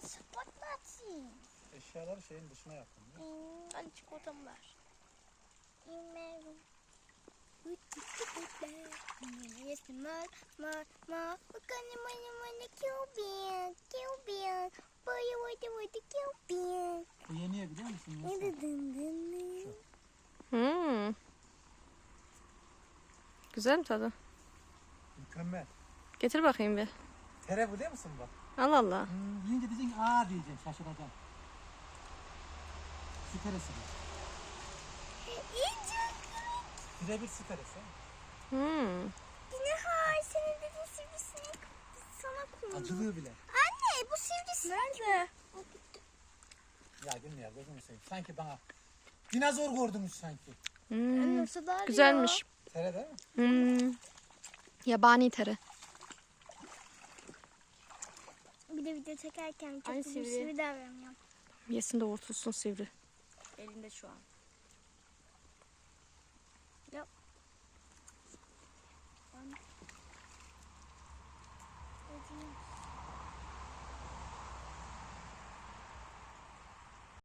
Patlatsın. Eşyaları şeyin dışına yapın. Hadi çikolatamı ver. Yes, mar. Bakın bana Cuban. Boyu Cuban. Bu yeniye biliyor musun? Güzel mi tadı? Mükemmel. Getir bakayım bir. Tere biliyor musun bak? Allah Allah. Yiyince diyeceksin aa diyeceksin şaşıracaksın. Su teresi bu. Birebir su teresi. Yine hayır senin dediğin sivrisinek sana kondu. Acılığı bile. Anne bu sivrisinek. Nerede? Ya Gülme ya gözünü seveyim. Sanki bana dinozor gördünüz sanki. Nasıl var Güzelmiş. Tere değil mi? Yabani tere. Bir de video çekerken çok Ay, sivri sivri. davranıyor. Yesin de vurtulsun sivri. Elinde şu an.